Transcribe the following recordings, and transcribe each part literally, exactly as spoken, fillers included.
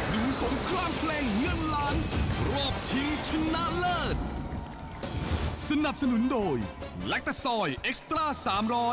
ดูสงครามเพลงเงินล้านรอบชิงชนะเลิศสนับสนุนโดยแลคตาซอยเอ็กซ์ตร้าสามร้อย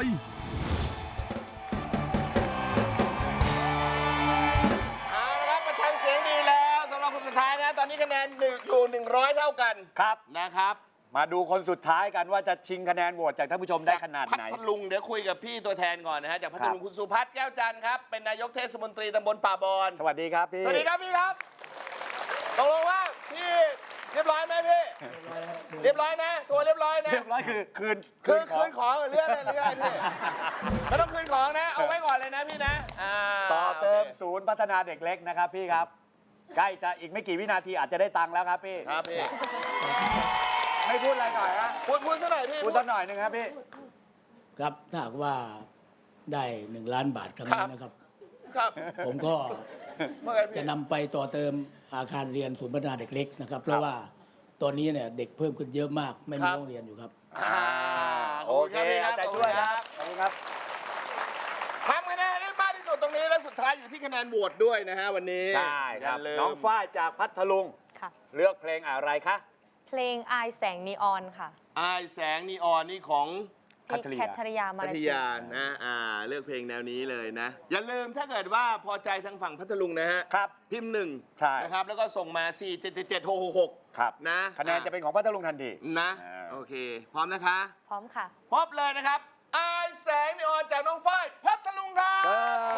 เอาละครับประชันเสียงดีแล้วสำหรับคนสุดท้ายนะตอนนี้คะแนนหนึ่งอยู่หนึ่งร้อยเท่ากันครับนะครับมาดูคนสุดท้ายกันว่าจะชิงคะแนนโหวตจากท่านผู้ชมได้ขนาดไหนพัทลุงเดี๋ยวคุยกับพี่ตัวแทนก่อนนะฮะจากพัทลุงครับคุณสุพัฒน์แก้วจันทร์ครับเป็นนายกเทศมนตรีตำบลป่าบอนสวัสดีครับพี่สวัสดีครับพี่ครับตกลงว่าพี่เรียบร้อยไหมพี่เรียบร้อยนะตัวเรียบร้อยนะเรียบร้อยคือคืนคืนขคืองนของหรือเรื่องอะไรเรื่องอะไรพี่ไม่ต้องคืนของนะเอาไว้ก่อนเลยนะพี่นะาต่อเติมโอคศูนย์พัฒนาเด็กเล็กนะครับพี่ครับ ใกล้จะอีกไม่กี่วินาทีอาจจะได้ตังค์แล้วครับพี่ครับพี่ไม่พูดอะไรหน่อยฮะพูดพูดซะหน่อยพี่พูดสักหน่อยหนึ่งครับพี่ครับถ้าหากว่าได้หนึ่งล้านบาทครั้งนี้นะครับครับผมก็เมื่อไงพี่จะนำไปต่อเติมอาคารเรียนศูนย์พัฒนาเด็กเล็กนะครับ เพราะว่าตอนนี้เนี่ยเด็กเพิ่มขึ้นเยอะมากไม่มีห้องเรียนอยู่ครับอ่าโอเคเอาใจช่วยครับขอบคุณครับทำคะแนนได้มากที่สุดตรงนี้และสุดท้ายอยู่ที่คะแนนโหวตด้วยนะฮะวันนี้ใช่ครับย่าลืมน้องฝ้ายจากพัทลุงค่ะเลือกเพลงอะไรคะเพลงอายแสงนีออนค่ะอายแสงนีออนนี่ของคัทริยาแคทริยามาพัลาทเซียานะอ่าเลือกเพลงแนวนี้เลยนะ อย่าลืมถ้าเกิดว่าพอใจทางฝั่งพัทลุงนะฮะครับพิมพ์หนึ่งใช่นะครับแล้วก็ส่งมา สี่ เจ็ด เจ็ด เจ็ด หก หก หกครับนะคะแนนจะเป็นของพัทลุงทันทีนะอ่าโอเค พร้อมนะคะพร้อมค่ะพบเลยนะครับอายแสงนีออนจากน้องฝ้ายพัทลุงครับเอ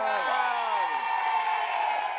อ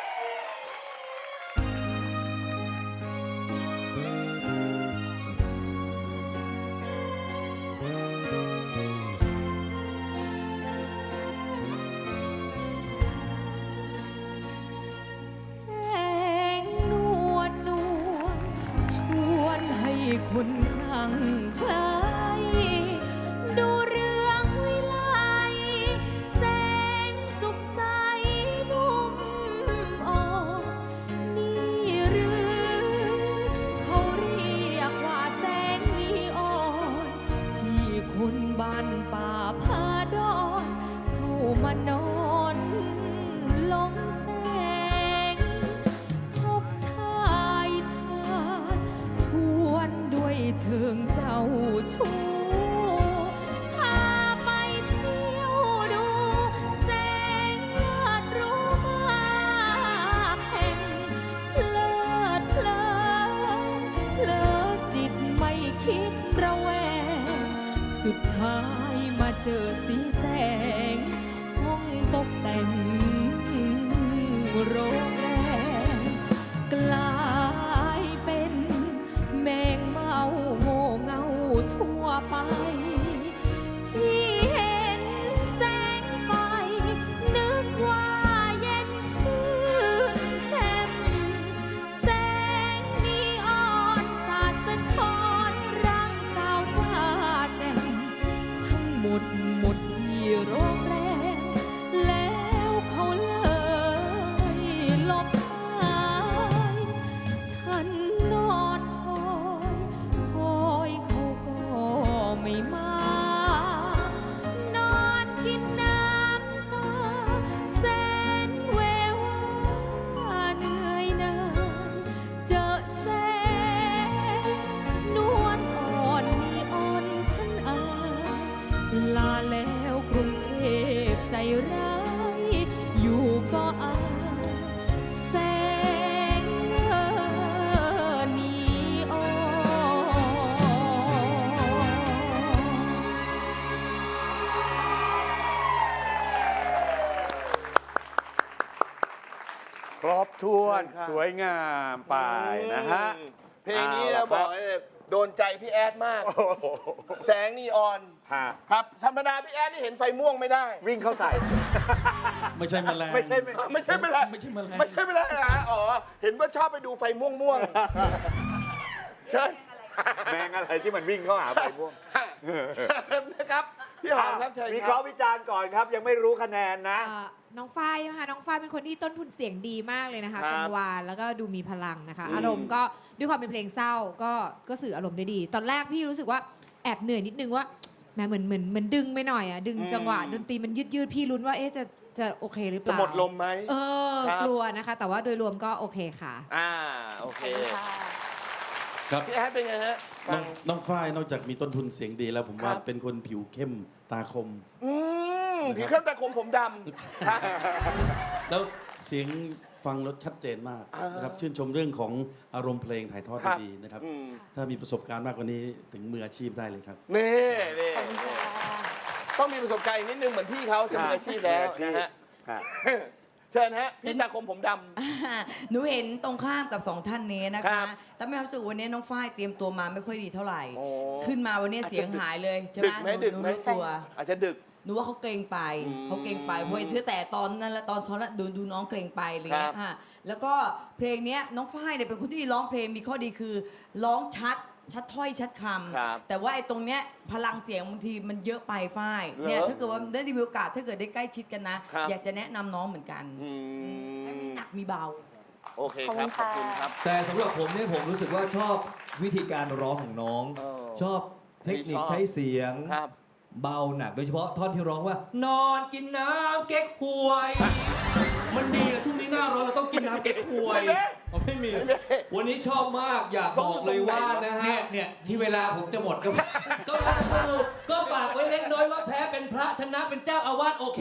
แสงนวลนวลชวนให้คนคลั่งไคล้ดูเรื่องวิไลแสงสุขใสนุ่มอ่อนนี่หรือเขาเรียกว่าแสงนีออน ที่คนบ้านป่าพาดอนเข้ามานอนลงแสง พบชายชาญชวนด้วยเชิงเจ้าชู้พาไปเที่ยวดูแสงเลิศรู้มากแห่งเพลิดเพลินเพลิดจิตไม่คิดระแวง สุดท้ายมาเจอสีแสง ห้องตกแต่งโรงแรมกลายเป็นแมงเมาโง่เงาทั่วไป ที่เห็นแสงไฟ นึกว่าเย็นชื่นแช่มแสงนีออนสาดสะท้อนร่างสาวจ้าแจ่มทั้งหมดหมดที่โรงแรม แล้วเขาเลยหลบหายฉันนอนคอย คอยเขาก็ไม่มา นอนกินน้ำตาแสนเววาเหนื่อยหน่ายเจอแสงนวลอ่อนนีออนฉันอาย ลาแล้วกรุงเทพใจร้าย อยู่ก็อายแสงนีออนครบถ้วนสวยงามไปนะฮะเพลงนี้เราบอกให้โดนใจพี่แอดมาก แสงนีออนฮะครับธรรมดาพี่แอดนี่เห็นไฟม่วงไม่ได้วิ่งเข้าใส่ไม่ใช่แมลงไม่ใช่ไม่ไม่ใช่ไม่ได้ไม่ใช่แมลงไม่ใช่ไม่ได้นะฮะอ๋อ เห็นว่าชอบไปดูไฟม่วงม่วงๆเชิญแมงอะไรที่มันวิ่งเข้าหาไปพวกเชิญนะครับ พี่หอมครับเชิญวิคเครัราะบห์วิจารณ์ก่อนครับ ยังไม่รู้คะแนนนะเอ่อน้องฝ้ายนะคะน้องฝ้ายเป็นคนที่ต้นทุนเสียงดีมากเลยนะคะครับกังวานแล้วก็ดูมีพลังนะคะอืมอารมณ์ก็ด้วยความเป็นเพลงเศร้าก็ก็สื่ออารมณ์ได้ดี ตอนแรกพี่รู้สึกว่าแอบเหนื่อยนิดนึงว่าแหมเหมือนเหมือนเหมือนดึงไปหน่อยอ่ะดึงจังหวะดนตรีมันยืดยืดๆพี่ลุ้นว่าเอ๊ะจะจะจะโอเคหรือเปจะล่าหมดลมไหมเออครับกลัวนะคะ แต่ว่าโดยรวมก็โอเคค่ะอ่าโอเคครับพี่แอดเป็นไงฮะน้ฟัองงน้องฝ้ายนอกจากมีต้นทุนเสียงดีแล้วผมว่าครับเป็นคนผิวเข้มตาคมอืมผีเครื่องตาคมผมดำครับแล้วเสียงฟังแล้วชัดเจนมากอ่านนะครับชื่นชมเรื่องของอารมณ์เพลงถ่ายทอดครัได้บดีนะครับอืมถ้ามีประสบการณ์มากกว่านี้ถึงมืออาชีพได้เลยครับนี่นี่ต้องมีประสบการณ์อีกนิดนึงเหมือนพี่เขาจะมืออาชีพแล้วนะฮะครับเชิญฮะพี่ตาคมผมดหนูเห็นตรงข้ามกับสองท่านนี้นะครัคะบแต่ไม่รู้สึกวันนี้น้องฝ้ายเตรียมตัวมาไม่ค่อยดีเท่าไหร่โอ้ขึ้นมาวันนี้เสียงหายเลยใช่ไหดึมกไหมหนูดึกหนูไหมรู้ตัวอาจจะดึกหนูว่าเขาเกรงไปอืมเขาเกรงไปเพราะเห็นตั้งแต่ตอนนั้นและตอนซ้อนแล้วดูดูน้องเกรงไปอะไรเงี้ครัยบค่ะแล้วก็เพลงเนี้ยน้องฝ้ายเนี่ยเป็นคนที่ร้องเพลงมีข้อดีคือร้องชัดชัดถ้อยชัดคครับำแต่ว่าไอ้ตรงเนี้ยพลังเสียงบางทีมันเยอะไปฝ้ายเนี่ยเหรอถ้าเกิดว่าได้มีโอกาสถ้าเกิดได้ใกล้ชิดกันนะครับอยากจะแนะนำน้องเหมือนกันอืมให้มีหนักมีเบาโอเคครับ ขอบคุณครับแต่สำหรับผมเนี่ยผมรู้สึกว่าชอบวิธีการร้องของน้องเออชอบเทคนิคชอบใช้เสียงครับเบาหนักโดยเฉพาะท่อนที่ร้องว่า นอนกินน้ำเก๊กฮวย มันดีอะช่วงนี้หน้าร้อนเราต้องกินน้ำเก๊กฮวยไม่มีอ๋อไม่มีไม่มีวันนี้ชอบมากอยากบอกเลยว่านะฮะเนี่ยเนี่ยที่เวลาผมจะหมดก็ก็สนุกก็ฝากไว้เล็กน้อยว่าแพ้เป็นพระชนะเป็นเจ้าอาวาสโอเค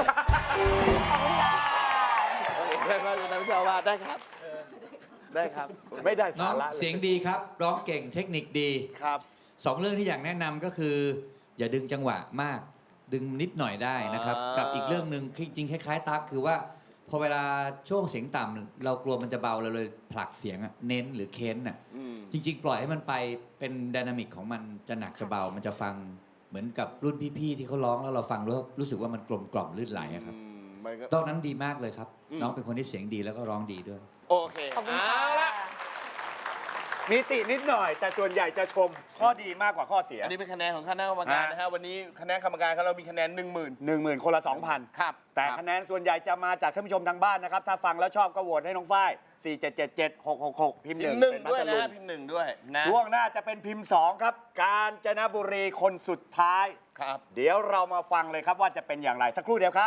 โอเคได้ครับนายเจ้าอาวาสได้ครับ ได้ครับไม่ได้น้อสาง ระลเสียงดีครับ ร้องเก่งเทคนิคดีครับสองเรื่องที่อยากแนะนำก็คือ อย่าดึงจังหวะมาก ดึงนิดหน่อยได้นะครับอ่ากักับอีกเรื่องหนึ่งจริงๆคล้ายๆตั๊กคือว่า พอเวลาช่วงเสียงต่ำเรากลัวมันจะเบาเราเลยผลักเสียงอะเน้นหรือเค้นอะอืมจริง ๆ ปล่อยให้มันไปเป็นไดนามิกของมันจะหนักจะเบามันจะฟังเหมือนกับรุ่นพี่ๆที่เขาร้องแล้วเราฟังแล้วรู้สึกว่ามันกลมกล่อมลื่นไหลอะครับอืมมันก็ตอนนั้นดีมากเลยครับอืมน้องเป็นคนที่เสียงดีแล้วก็ร้องดีด้วยโอเคขอบคุณเอาค่ะละมีตินิดหน่อย แต่ส่วนใหญ่จะชมข้อดีมากกว่าข้อเสียอันนี้เป็นคะแนนของคณะกรรมการฮะนะฮะ วันนี้คณะกรรมการของเรามีคะแนนหนึ่งหมื่นหนึ่งหมื่นคนละสองพันครับแต่ครับคะแนนส่วนใหญ่จะมาจากท่านผู้ชมทางบ้านนะครับ ถ้าฟังแล้วชอบก็โหวตให้น้องฝ้ายสี่ เจ็ด เจ็ด เจ็ด หก หก หก พิมพ์หพินึ่มงพ์หนึ่งเป็นพัด้วยทนะลุฮะงพิมพ์หนึ่งด้วยนะช่วงหน้าจะเป็นพิมพ์สองครับ กาญจนบุรีคนสุดท้ายครับเดี๋ยวเรามาฟังเลยครับว่าจะเป็นอย่างไรสักครู่เดียวครับ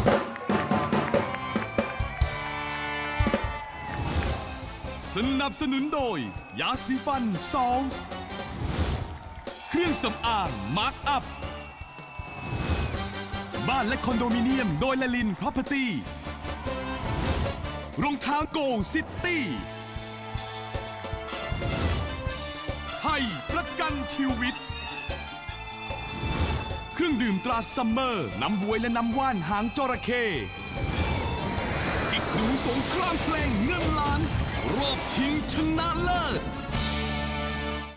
สนับสนุนโดย ยาสีฟันซอลส์เครื่องสำอางมาร์คอัพ บ้านและคอนโดมิเนียมโดยละลิน Property รองเท้าโกซิตี้ไทยประกันชีวิต เครื่องดื่มตราซัมเมอร์ น้ำบวยและน้ำว่านหางจระเข้อีกหนึ่งสงครามเพลงเงินล้าน รอบชิงชนะเลิศ